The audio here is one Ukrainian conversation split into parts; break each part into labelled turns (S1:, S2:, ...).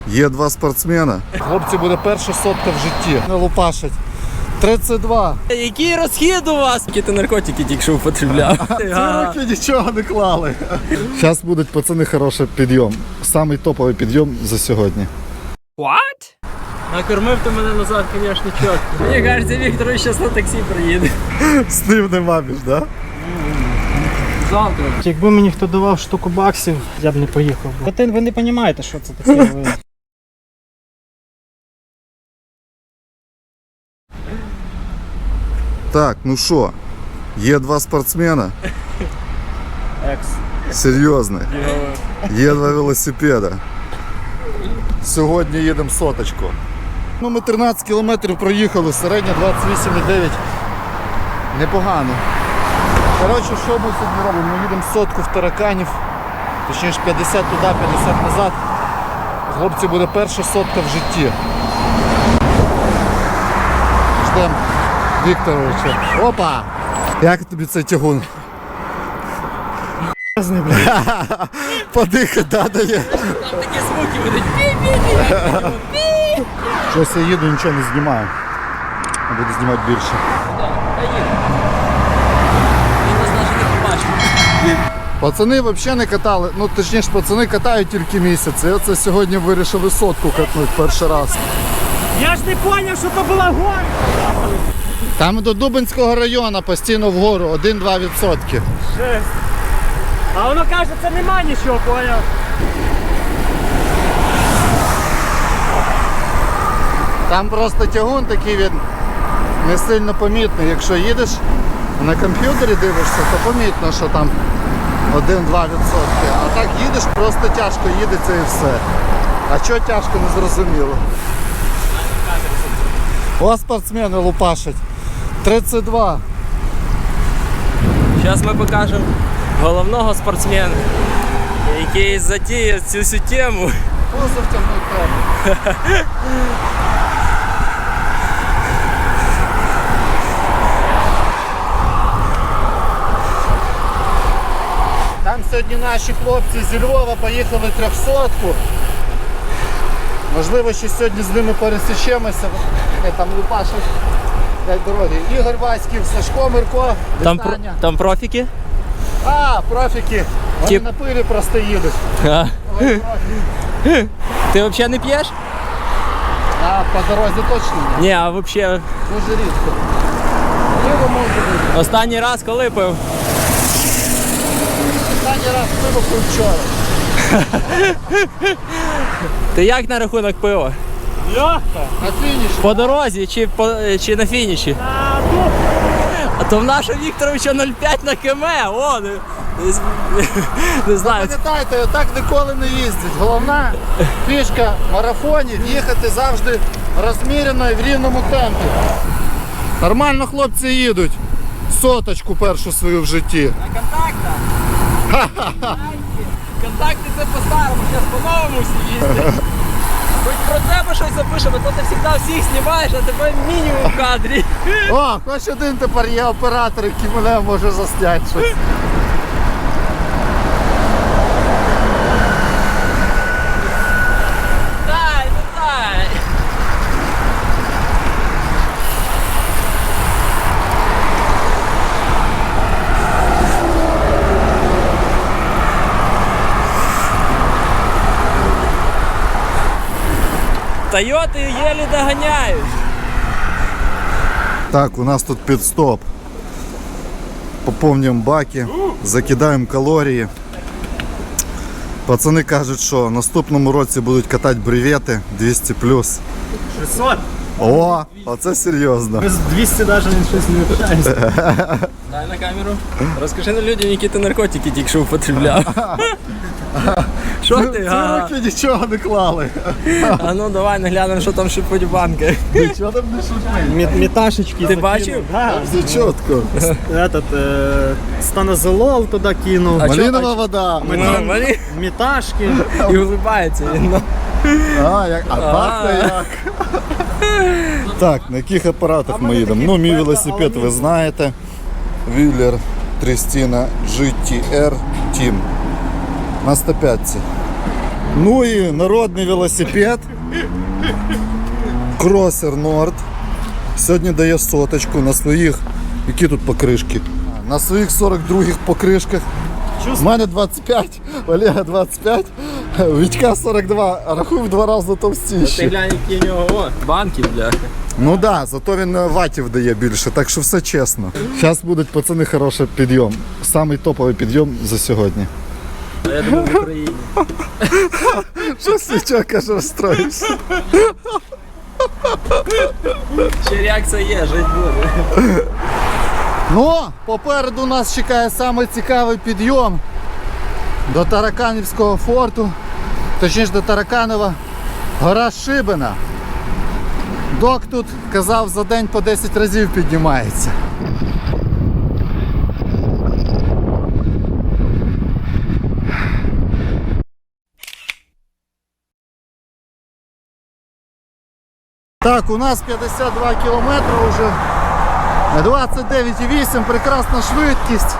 S1: Є два спортсмена. Хлопці, буде перша сотка в житті. Не лупашать. 32.
S2: Який розхід у вас? Які ти наркотики тільки що употребляв?
S1: Ці руки нічого не клали. Зараз будуть, пацани, хороший підйом. Самий топовий підйом за сьогодні.
S2: What? Накормив ти мене назад, звісно, чітко. Мені кажеться, Віктор зараз на таксі приїде.
S1: З ним нема між, да?
S2: Завтра.
S3: Якби мені хто давав штуку баксів, я б не поїхав. Ви не розумієте, що це таке.
S1: Так, ну що, є два спортсмена.
S3: Екс.
S1: Серйозно. Є два велосипеда. Сьогодні їдемо соточку. Ну, ми 13 кілометрів проїхали, середня 28,9. Непогано. Коротше, що ми сьогодні робимо? Ми їдемо сотку в тараканів. Точніше 50 туди, 50 назад. Хлопці, буде перша сотка в житті. Ждемо Вікторовича. Опа! Як тобі цей тягун? Подихати, да, дає.
S2: Там такі звуки будуть.
S1: Щось я їду, нічого не знімаю. А буду знімати більше.
S2: Він нас навіть не побачив.
S1: Пацани взагалі не катали, ну точніше пацани катають тільки місяць. І оце сьогодні вирішили сотку катнути перший раз.
S3: Я ж не зрозумів, що це була гора.
S1: Там до Дубинського району постійно вгору 1-2%.
S3: Жесть. А воно каже, це нема нічого, поняв.
S1: Там просто тягун такий, він не сильно помітний. Якщо їдеш на комп'ютері дивишся, то помітно, що там 1-2%. А так їдеш, просто тяжко їдеться і все. А що тяжко, не зрозуміло. О, спортсмени лупашать. 32.
S2: Зараз ми покажемо головного спортсмена, який затіяв цю всю тему.
S1: Пузо втягнуть треба. Там сьогодні наші хлопці зі Львова поїхали 300-ку. Можливо, ще сьогодні з ними пересічемося. Там лупашать дороги. Ігор Васьків, Сашко Мирко, вітання.
S2: Там профіки?
S1: А, профіки. Вони на пилі просто їдуть.
S2: Ти взагалі не п'єш?
S1: А по дорозі точно ні.
S2: Ні, а взагалі.
S1: Дуже рідко. Пиво може бути.
S2: Останній раз коли пив?
S1: Останній раз пиво пив вчора.
S2: Ти як на рахунок пива?
S3: Легко.
S1: На фініші.
S2: По дорозі чи на фініші? А то в нашого Вікторовича 0,5 на км. О, не знаю.
S1: Пам'ятайте, отак ніколи не їздять. Головна фішка в марафоні їхати завжди розмірено і в рівному темпі. Нормально хлопці їдуть. Соточку першу свою в житті.
S2: А контакта? Контакти це по-старому, зараз по-новому всі їздять. Хоч про тебе щось запишемо, то ти завжди всіх знімаєш, а тебе мінімум в кадрі.
S1: О, хоч один тепер є оператор, який мене може засняти щось.
S2: Дай, ну дай. Тойоти єлі доганяють.
S1: Так, у нас тут підстоп. Поповнюємо баки, закидаємо калорії. Пацани кажуть, що в наступному році будуть катати бревети 200+.
S3: 600.
S1: О, оце серйозно.
S3: Без 200 навіть щось не общаємося.
S2: Дай на камеру. Розкажи на людям, які ти наркотики тільки що употребляв. Що ти?
S1: Ці руки нічого не клали.
S2: А ну давай наглянемо, що там шипуть банки.
S1: Нічого там не шутить.
S3: Меташечки.
S2: Ти бачив?
S3: Да.
S1: Все чітко.
S3: Станозолол туди кинув.
S1: Малинова вода.
S3: Меташки.
S2: І улибається він.
S1: А пахне як. Так, на яких апаратах ми їдемо? Ну, мій велосипед ви знаєте. Wheeler Tristina GTR Team. На 105. Ну і народний велосипед. Кросер Nord. Сьогодні дає соточку на своїх, які тут покришки? На своїх 42-х покришках. У мене 25, Олега 25, Вітька 42, а рахуй в 2 рази
S2: Ти
S1: товстіші.
S2: глянь, які в нього банки, бляха.
S1: Ну так, да, зато він ватів дає більше, так що все чесно. Зараз будуть, пацани, хороший підйом. Самий топовий підйом за сьогодні.
S2: А я думав в Україні.
S1: Що Свічок каже, розстроївся?
S2: Ще реакція є, жить буде.
S1: Ну, попереду нас чекає самий цікавий підйом до Тараканівського форту, точніше до Тараканова, гора Шибена. Док тут казав, за день по 10 разів піднімається. Так, у нас 52 кілометри вже. 29,8, прекрасна швидкість.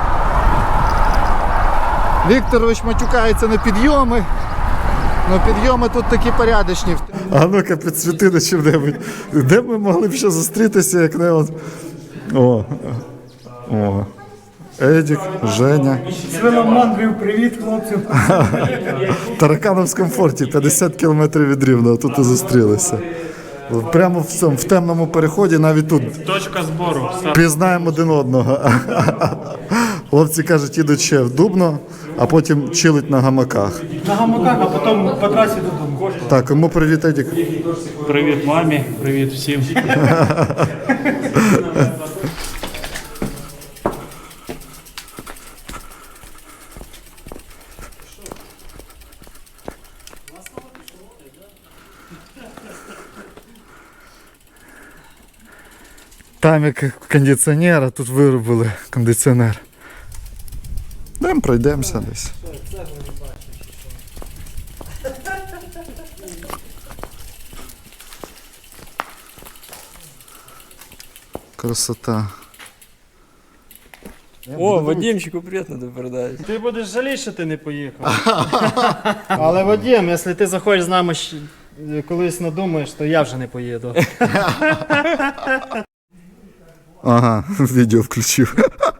S1: Вікторович матюкається на підйоми. Ну підйоми тут такі порядочні. А ну-ка підсвіти на чим-небудь. Де б ми могли б ще зустрітися, як не от. О. О. Едік, Женя.
S3: Свиномандрів, привіт, хлопців.
S1: В Таракановському форті 50 кілометрів від Рівного, тут і зустрілися. Прямо в цьому, в темному переході, навіть тут
S3: Точка збору.
S1: пізнаємо один одного. Хлопці кажуть, їдуть ще в Дубно, а потім чилить на гамаках.
S3: На гамаках, а потім по трасі додому.
S1: Так, кому привіт, Едік?
S3: Привіт мамі, привіт всім.
S1: Там як кондиціонер, а тут виробили кондиціонер. Йдемо, пройдемося десь. Красота.
S2: О, Вадимчику привіт надо передати.
S3: Ти будеш жаліти, що ти не поїхав. Але Вадим, якщо ти захочеш з нами колись надумаєш, то я вже не поїду.
S1: Ага, відео включив.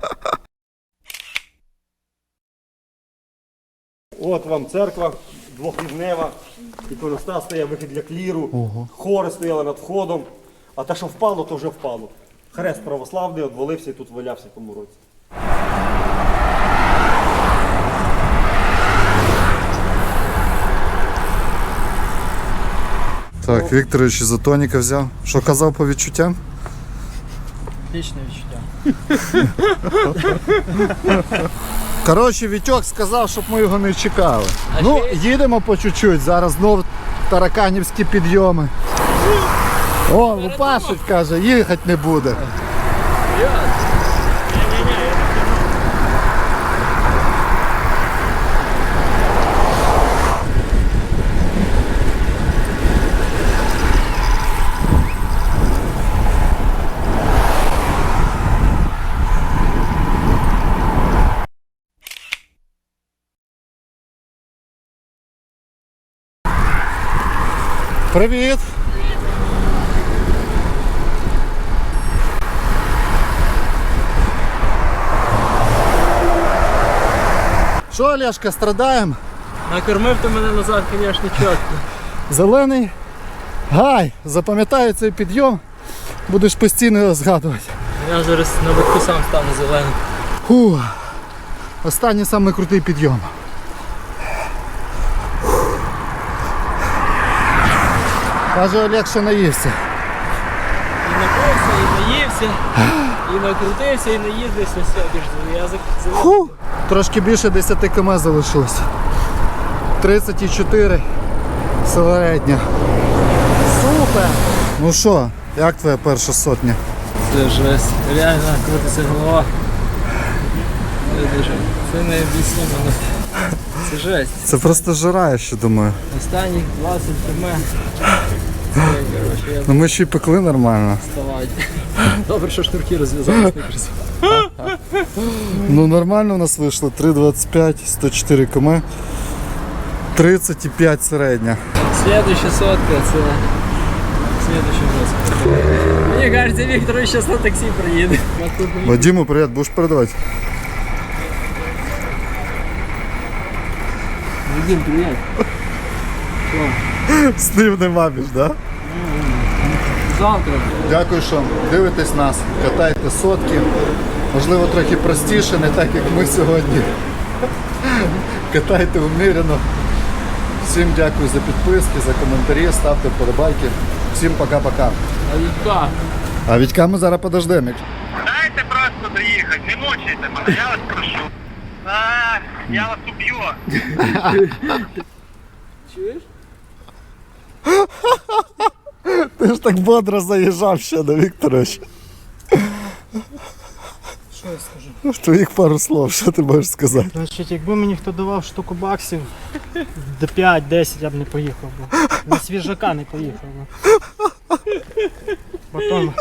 S4: От вам церква двохрівнева, іконостас стояв, вихід для кліру, хори стояли над входом, а те, що впало, то вже впало. Хрест православний одвалився і тут валявся в тому році.
S1: Так, Вікторович ізотоніка взяв. Що казав по відчуттям?
S3: Отличне відчуття.
S1: Коротше, Вітьок сказав, щоб ми його не чекали.
S2: А
S1: Ну,
S2: ще-
S1: їдемо по чуть-чуть, зараз знову тараканівські підйоми. О, Лупашить, каже, їхати не буде. Привіт! Що, Олешка, страдаємо?
S2: Накормив ти мене назад, звісно, чітко.
S1: Зелений гай, запам'ятаю цей підйом, будеш постійно його згадувати.
S2: Я зараз на витку сам стану зеленим.
S1: Фу. Останній самий крутий підйом. Каже, Олег, що наївся.
S2: І напився, і наївся, і накрутився, і наїздився, все, більш язик зелений.
S1: Фу. Трошки більше 10 км залишилось. 34 середня. Супер! Ну що, як твоя перша сотня?
S2: Це жесть. Реально крутиться голова. Це дуже. Це не об'яснимо. Це жесть.
S1: Це просто жара, я ще думаю.
S2: Останніх 20 км. Це, коротше, я
S1: Ну ми ще й пекли нормально.
S2: вставати. Добре, що шнурки розв'язались не красиво.
S1: Ну нормально у нас вийшло. 3,25, 104 км. 30,5 середня.
S2: Следующая сотка, це следующая жестка. Мені кажется, Віктор зараз на таксі приїде.
S1: Вадиму, привіт, будеш передавати?
S2: Вадим, привіт.
S1: З ним не маміш, да?
S2: Завтра.
S1: Дякую, що дивитесь нас, катайте сотки. Можливо, трохи простіше, не так, як ми сьогодні. Катайте умірено. Всім дякую за підписки, за коментарі, ставте вподобайки. Всім пока-пока.
S2: А Вітька?
S1: А Вітька ми зараз подождемо.
S5: Дайте просто доїхати, не мучайте мене, я вас прошу. Я вас уб'ю.
S2: Чуєш?
S1: Ти ж так бодро заїжджав ще до Вікторовича.
S3: Що я скажу?
S1: Твоїх пару слов, що ти можеш сказати?
S3: Значить, якби мені хто давав штуку баксів до 5-10, я б не поїхав би. На свіжака не поїхав би. Потім,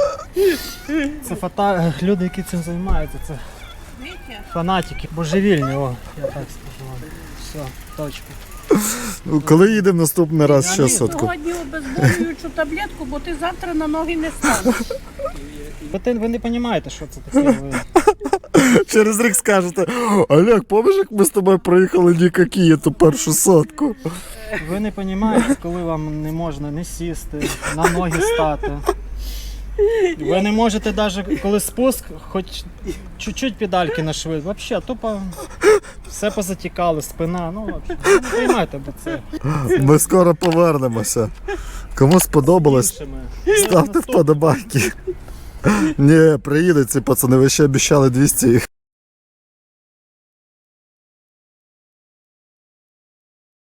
S3: це люди, які цим займаються, це фанатики, божевільні, о, я так скажу вам. Все, точка.
S1: Ну, коли їдемо наступний раз ще сотку?
S6: Сьогодні обезболюючу таблетку, бо ти завтра на ноги не станеш.
S3: Ви не розумієте, що це таке.
S1: Через рік скажете: Олег, пам'ятаєш, як ми з тобою проїхали нікакі ту першу сотку?
S3: Ви не розумієте, коли вам не можна не сісти, на ноги стати. Ви не можете навіть, коли спуск, хоч чуть-чуть педальки на швид. Взагалі, тупо все позатікало, спина, ну взагалі. Не приймайте бо це.
S1: Ми скоро повернемося. Кому сподобалось,
S3: Іншими.
S1: ставте вподобайки. Ні, приїдуть ці пацани, ви ще обіцяли 200 їх.